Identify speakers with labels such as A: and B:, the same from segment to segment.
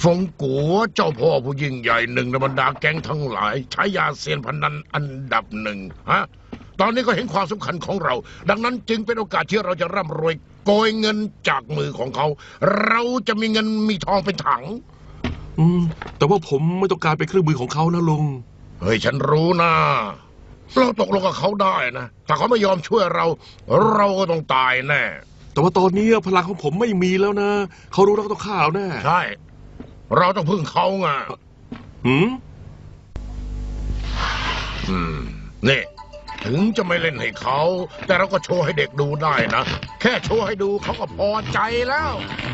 A: ฟงกัวเจ้าพ่อผู้ยิ่งใหญ่หนึ่งในบรรดาแก๊งทั้งหลายใช้ยาเซียนพนันอันดับหนึ่งฮะตอนนี้ก็เห็นความสำคัญของเราดังนั้นจึงเป็นโอกาสที่เราจะร่ำรวยโกยเงินจากมือของเขาเราจะมีเงินมีทองเป็นถัง
B: แต่ว่าผมไม่ต้องการเป็นเครื่องมือของเขานะลุง
A: เฮ้ยฉันรู้นะเราตกลงกับเขาได้นะถ้าเขาไม่ยอมช่วยเราเราก็ต้องตายแน่
B: แต่ว่าตอนนี้พลังของผมไม่มีแล้วนะเขารู้แล้วก็ต้องฆ่าเราแน่
A: ใช่เราต้องพึ่งเขาไงนี่ถึงจะไม่เล่นให้เขาแต่เราก็โชว์ให้เด็กดูได้นะแค่โชว์ให้ดูเขาก็พอใจแล้ว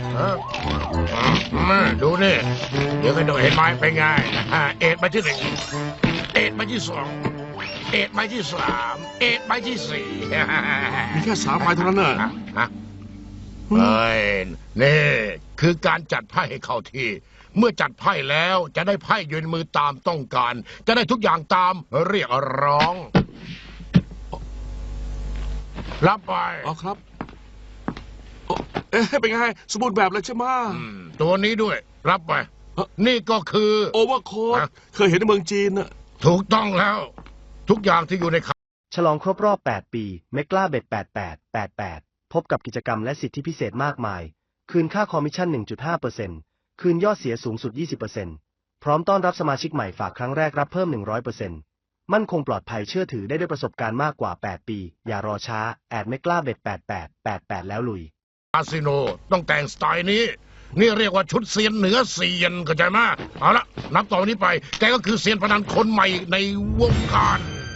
A: ดูนี่เดี๋ยวก็ดูเห็นไหมเป็นไงเอ็ดใบที่หนึ่งเอ็ดใบที่สองเอ็ดใบที่สามเอ็ดใบที่สี่
B: มีแค่3 ใบเท่านั้นน่ะ
A: เฮ้ยนี่คือการจัดไพ่ให้เข้าที่เมื่อจัดไพ่แล้วจะได้ไพ่ยืนมือตามต้องการจะได้ทุกอย่างตามเรียกร้องรับไป
B: อ๋อครับเป็นไงสมบูรณ์แบบแล้วใช่ไหม
A: ตัวนี้ด้วยรับไปนี่ก็คือ
B: โอเวอร์โค้ดเคยเห็นในเมืองจีนน่ะ
A: ถูกต้องแล้วทุกอย่างที่อยู่ใน
C: ฉลองครบรอบ8 ปีเมกล้าเบ็ด8888พบกับกิจกรรมและสิทธิพิเศษมากมายคืนค่าคอมมิชชั่น 1.5% คืนยอดเสียสูงสุด 20% พร้อมต้อนรับสมาชิกใหม่ฝากครั้งแรกรับเพิ่ม 100%มั่นคงปลอดภัยเชื่อถือได้ด้วยประสบการณ์มากกว่า8 ปีอย่ารอช้าแอดเมกล้าเบ็ด8888แล้วลุย
A: คาสิโนต้องแต่งสไตล์นี้นี่เรียกว่าชุดเซียนเหนือเซียนเข้าใจไหมเอาละนับต่อนี้ไปแกก็คือเซียนพนันคนใหม่ในวงการ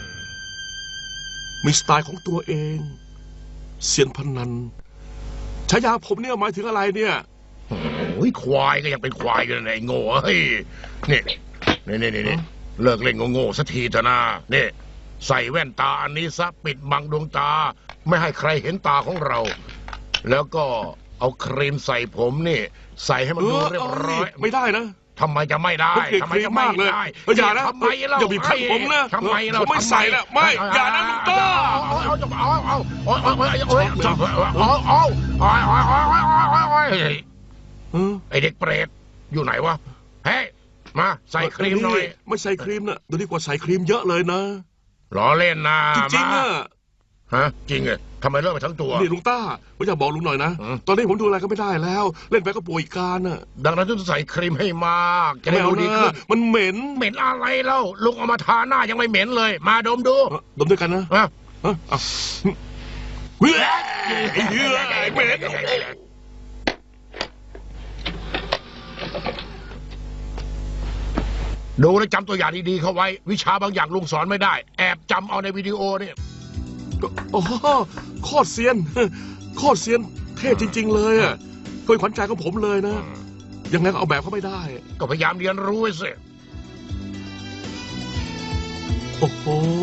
B: มีสไตล์ของตัวเองเซียนพนันฉายาผมเนี่ยหมายถึงอะไรเนี่ย
A: โอ้ยควายก็ยังเป็นควายอยู่ในโง่เฮ้ยนี่เลิกเล่นโง่สักทีเถอะนะนี่ใส่แว่นตาอันนี้ซะปิดบังดวงตาไม่ให้ใครเห็นตาของเราแล้วก็เอาครีมใส่ผมนี่ใส่ให้มันดูเรียบร้อย
B: ไม่ได้นะ
A: ทำไมจะไม่ได้
B: ทำไมจะไม่ได้อย่านะ
A: ทำไมเรา
B: อย่าบีบคั้นผมนะ
A: ทำไมเรา
B: ไม่ใส่ละไม่อย่านะลุงต้า
A: ไอเด็กเปรตอยู่ไหนวะเฮ้ยมาใส่ครีมหน่อย
B: ไม่ใส่ครีมนะดูดีกว่าใส่ครีมเยอะเลยนะ
A: ล้อเล่นนะ
B: จริงๆอะ
A: ฮะจริงเหรอทำไมเลิกไปทั้งตัว
B: นี่ลุงต้าผมอยากบอกลุงหน่อยนะตอนนี้ผมดูอะไรก็ไม่ได้แล้วเล่นไปก็ป่วยการน่ะ
A: ดังนั้นต้องใส่ครีมให้มากจะได้ดูดีขึ้น
B: มันเหม็น
A: อะไรเล่าลุงเอามาทาหน้ายังไม่เหม็นเลยมาดมดู
B: ดมด้วยกันนะเหม็น
A: ดูและจำตัวอย่างดีๆเข้าไว้วิชาบางอย่างลุงสอนไม่ได้แอบจำเอาในวิดีโอเนี่ย
B: โอ้โคตรเซียนเท่จริงๆเลยอ่ะเคยขวัญใจของผมเลยนะยังไงก็เอาแบบเขาไม่ได้
A: ก็พยายามเรียนรู้ไว้สิ
B: โอ้โห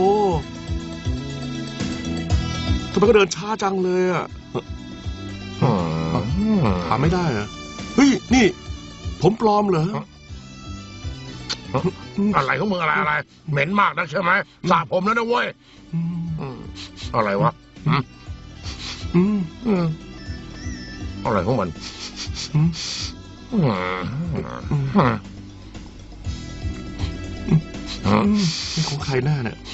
B: ทำไมก็เดินช้าจังเลยอ่ะถามไม่ได้อ่ะเฮ้ยนี่ผมปลอมเหรอ
A: อะไรของมึงอะไรเหม็นมากนักใช่ไหมสระผมแล้วนะเว้ยอะไรวะอะไรของมัน
B: นี่ของใครหน้าเนี่ย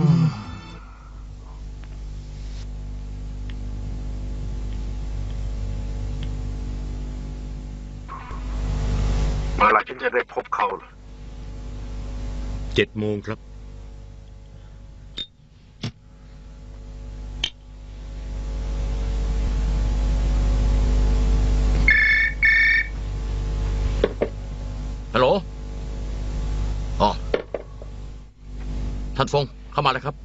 A: เมื่อไรฉันจะได้พบเขา
D: 7 โมงครับฮัลโหลอ๋อท่านฟงเข้ามาเลยครับ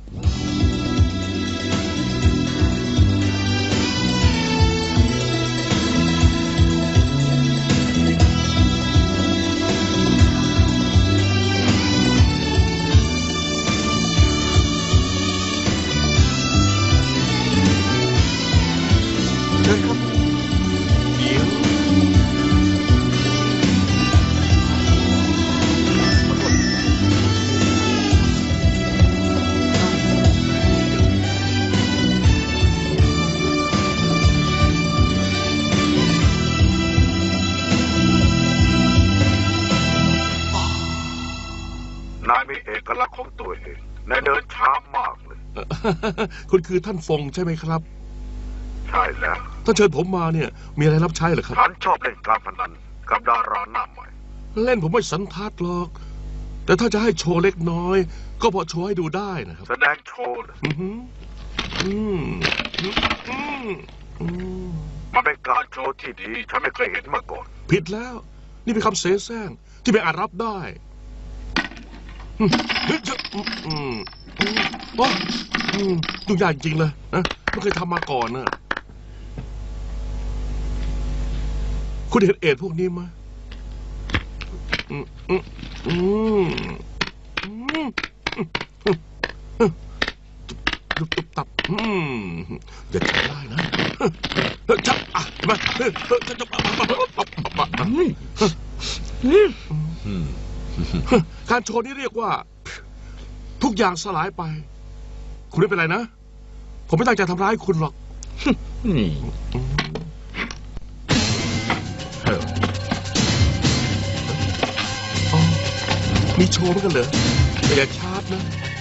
E: มีเอกลักษณ์ของตัวเองและเดินช้ามากเลย
B: คุณคือท่านฟงใช่ไหมครับ
E: ใช่แล้ว
B: ถ้าเชิญผมมาเนี่ย มีอะไรรับใช้เหรอครับ
E: ฉันชอบเล่นการพนันกับดาราหน้าใหม่
B: เล่นผมไม่สันทัดหรอก แต่ถ้าจะให้โชว์เล็กน้อย ก็พอโชว์ให้ดูได้นะครับ
E: แสดงโชว์เลย
B: อือหืออืมอืมอืมอืม
E: มันเป็นการโชว์ที่ดี ฉันไม่เคยเห็นมาก่อน
B: ผิดแล้ว นี่เป็นคำเสแสร้งที่ไม่อาจรับได้อืมเฮ้ยอืมอืมอืมโอ้ยุ่งยากจริงเลยนะไม่เคยทำมาก่อนนะคุณเห็นเอ็ดพวกนี้ไหมอืมอืมอืมอืมตุบตับอย่าใช้ได้นะจับอ่ะมาจะการโชว์นี้เรียกว่า ทุกอย่างสลายไป คุณไม่เป็นไรนะ ผมไม่ตั้งใจทำร้ายคุณหรอก
D: นี่
B: อ๋อมีโชว์เหมือนกันเหรอแต่อย่าชาร์จนะ